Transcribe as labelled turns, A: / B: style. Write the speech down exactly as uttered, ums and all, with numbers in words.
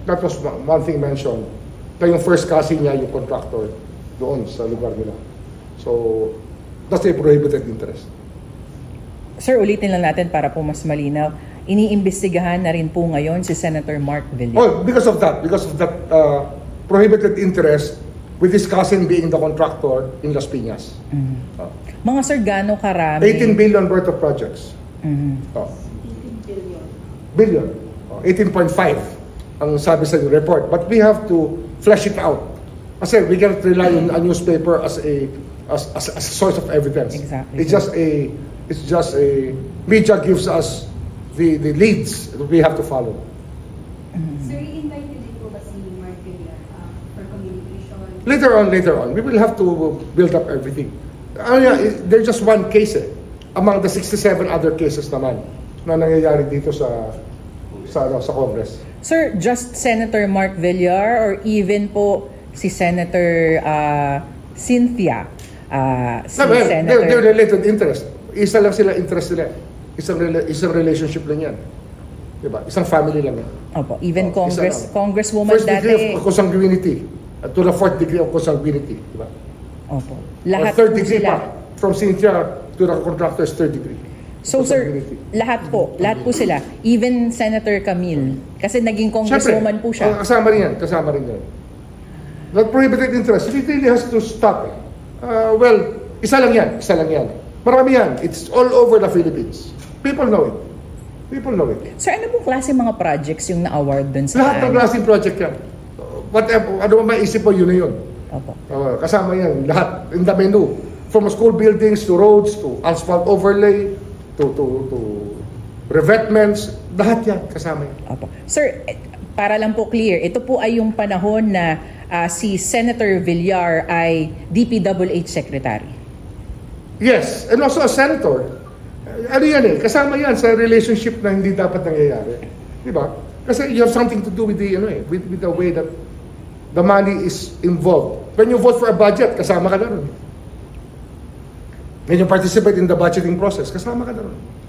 A: that was one one thing mentioned. Kaya yung first cousin niya, yung contractor, doon sa lugar nila. So, that's a prohibited interest.
B: Sir, ulitin lang natin para po mas malinaw. Iniimbestigahan na rin po ngayon si Senator Mark Villar.
A: Oh, because of that, because of that uh, prohibited interest with his cousin being the contractor in Las Piñas.
B: Mhm.
A: Oh.
B: Mga sir, gaano karami?
A: eighteen billion worth of projects.
B: Mhm.
A: Oh. Billion. Oh, eighteen point five ang sabi sa report. But we have to flesh it out. Kasi we cannot rely on a newspaper as a as, as, as a source of evidence.
B: Exactly.
A: It's just a it's just a media gives us the the leads that we have to follow.
C: Sir, i-invite niyo din po ba si Mark Villar uh, for communication?
A: Later on, later on, we will have to build up everything. Ano yan, eh, there's just one case eh, among the sixty-seven other cases naman na nangyayari dito sa sa ano, sa Congress.
B: Sir, just Senator Mark Villar or even po si Senator uh, Cynthia? Uh, si
A: No, well,
B: Senator...
A: they're, they're related interest. Isa lang sila interest nila. Isang rela- isang relationship lang yan. Diba? Isang family lang yan.
B: Opo, even
A: Oh, isa
B: Congress,
A: lang.
B: Congresswoman
A: First degree
B: dati...
A: of consanguinity uh, to the fourth degree of consanguinity. Diba?
B: Opo.
A: Or
B: Lahat
A: third
B: po
A: degree
B: sila.
A: pa. From Cynthia to the contractor's third degree.
B: So sir,
A: Consanguinity.
B: lahat po, lahat po sila. Even Senator Camille. Kasi naging congresswoman po
A: oh,
B: siya.
A: kasama rin yan. Kasama rin yan. That prohibited interest, it really has to stop. Eh. Uh, well, isa lang yan. Isa lang yan. Marami yan. It's all over the Philippines. People know it. People know it.
B: Sir, ano pong klase mga projects yung na-award dun sa...
A: Lahat ng klaseng project yan. Whatever, ano ba maisip mo, yun na yun.
B: Opo.
A: Uh, kasama yan. Lahat. In the menu. From school buildings to roads to asphalt overlay to to to revetments. Lahat yan. Kasama yan.
B: Opo. Sir, eh, para lang po clear, ito po ay yung panahon na ah, si Senator Villar ay D P W H Secretary.
A: Yes. And also a senator. Uh, ano yan eh. Kasama yan sa relationship na hindi dapat nangyayari. Di ba? Kasi you have something to do with the, ano eh, with, with the way that the money is involved. When you vote for a budget, kasama ka na ron. When you participate in the budgeting process, kasama ka na ron.